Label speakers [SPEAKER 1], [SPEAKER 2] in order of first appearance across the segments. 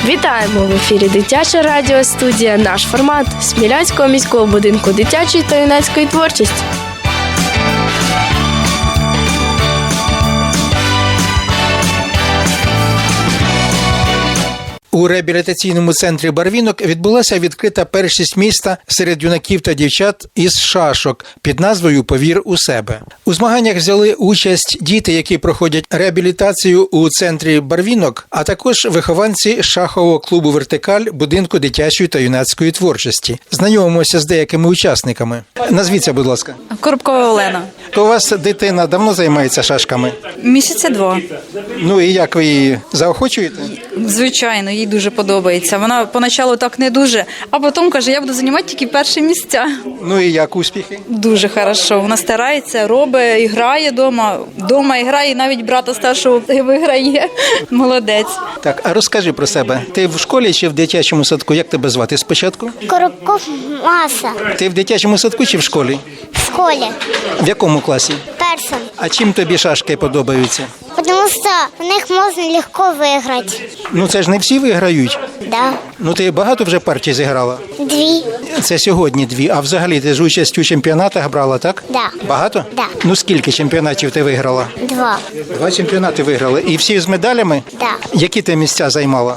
[SPEAKER 1] Вітаємо! В ефірі Дитяча радіостудія «Наш формат» Смілянського міського будинку дитячої та юнацької творчості.
[SPEAKER 2] У реабілітаційному центрі «Барвінок» відбулася відкрита першість міста серед юнаків та дівчат із шашок під назвою «Повір у себе». У змаганнях взяли участь діти, які проходять реабілітацію у центрі «Барвінок», а також вихованці шахового клубу «Вертикаль» будинку дитячої та юнацької творчості. Знайомимося з деякими учасниками. Назвіться, будь ласка.
[SPEAKER 3] Коробкова Олена.
[SPEAKER 2] То у вас дитина давно займається шашками?
[SPEAKER 3] Місяця 2.
[SPEAKER 2] Ну і як ви її заохочуєте?
[SPEAKER 3] Звичайно, їй дуже подобається. Вона поначалу так не дуже, а потім каже, я буду займати тільки перші місця.
[SPEAKER 2] Ну і як успіхи?
[SPEAKER 3] Дуже хорошо. Вона старається, робить, і грає вдома. Вдома і грає, і навіть брата старшого виграє. Молодець.
[SPEAKER 2] Так, а розкажи про себе. Ти в школі чи в дитячому садку? Як тебе звати спочатку?
[SPEAKER 4] Коробков Маса.
[SPEAKER 2] Ти в дитячому садку чи в школі?
[SPEAKER 4] В школе.
[SPEAKER 2] В якому класі?
[SPEAKER 4] Персон.
[SPEAKER 2] А чим тобі шашки подобаються?
[SPEAKER 4] Потому что в них можно легко выиграть.
[SPEAKER 2] Ну це ж не всі виграють.
[SPEAKER 4] Да.
[SPEAKER 2] Ну ти багато вже партій зіграла?
[SPEAKER 4] 2.
[SPEAKER 2] Це сьогодні 2, а взагалі ти ж участь у чемпіонатах брала, так?
[SPEAKER 4] Да.
[SPEAKER 2] Багато?
[SPEAKER 4] Да.
[SPEAKER 2] Ну скільки чемпіонатів ти виграла?
[SPEAKER 4] 2.
[SPEAKER 2] 2 чемпіонати виграли. І всі з медалями?
[SPEAKER 4] Да.
[SPEAKER 2] Які ти місця займала?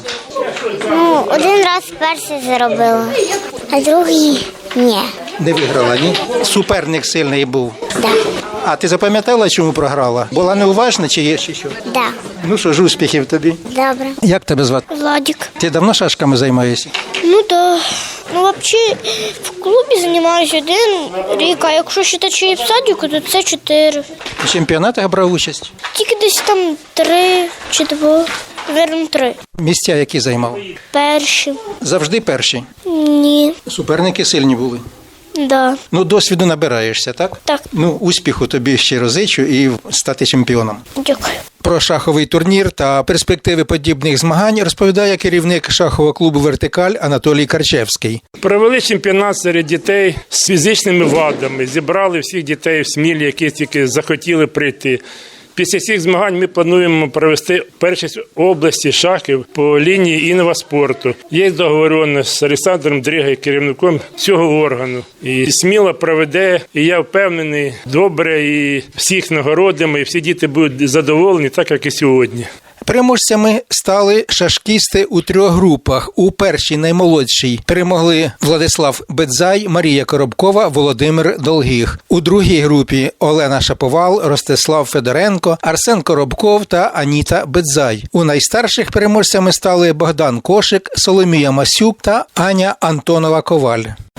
[SPEAKER 4] Ну, один раз перший заробила, а другий ні.
[SPEAKER 2] Не виграла, ні? Суперник сильний був.
[SPEAKER 4] Да.
[SPEAKER 2] А ти запам'ятала, чому програла? Була неуважна чи є ще що?
[SPEAKER 4] Да.
[SPEAKER 2] Ну що ж, успіхів тобі.
[SPEAKER 4] Добре.
[SPEAKER 2] Як тебе звати?
[SPEAKER 4] Владик.
[SPEAKER 2] Ти давно шашками займаєшся?
[SPEAKER 4] Ну да. Ну, вообще, в клубі займаюся 1 рік, а якщо вважати в садіку, то це 4.
[SPEAKER 2] У чемпіонатах брав участь?
[SPEAKER 4] Тільки десь там 3 чи 2. Верно, 3.
[SPEAKER 2] Місця які займав?
[SPEAKER 4] Перші.
[SPEAKER 2] Завжди перші?
[SPEAKER 4] Ні.
[SPEAKER 2] Суперники сильні були?
[SPEAKER 4] Да.
[SPEAKER 2] Ну, досвіду набираєшся, так?
[SPEAKER 4] Так.
[SPEAKER 2] Ну, успіху тобі щиро зичу і стати чемпіоном.
[SPEAKER 4] Дякую.
[SPEAKER 2] Про шаховий турнір та перспективи подібних змагань розповідає керівник шахового клубу «Вертикаль» Анатолій Карчевський.
[SPEAKER 5] Провели чемпіонат серед дітей з фізичними вадами, зібрали всіх дітей в Смілі, які тільки захотіли прийти. Після цих змагань ми плануємо провести першість області шахів по лінії інваспорту. Є договоренність з Олександром Дригою, керівником цього органу. І Сміла проведе, і я впевнений, добре, і всіх нагородимо, і всі діти будуть задоволені, так як і сьогодні.
[SPEAKER 2] Переможцями стали шашкісти у 3 групах. У першій, наймолодшій, перемогли Владислав Бедзай, Марія Коробкова, Володимир Долгих. У другій групі Олена Шаповал, Ростислав Федоренко, Арсен Коробков та Аніта Бедзай. У найстарших переможцями стали Богдан Кошик, Соломія Масюк та Аня Антонова-Коваль.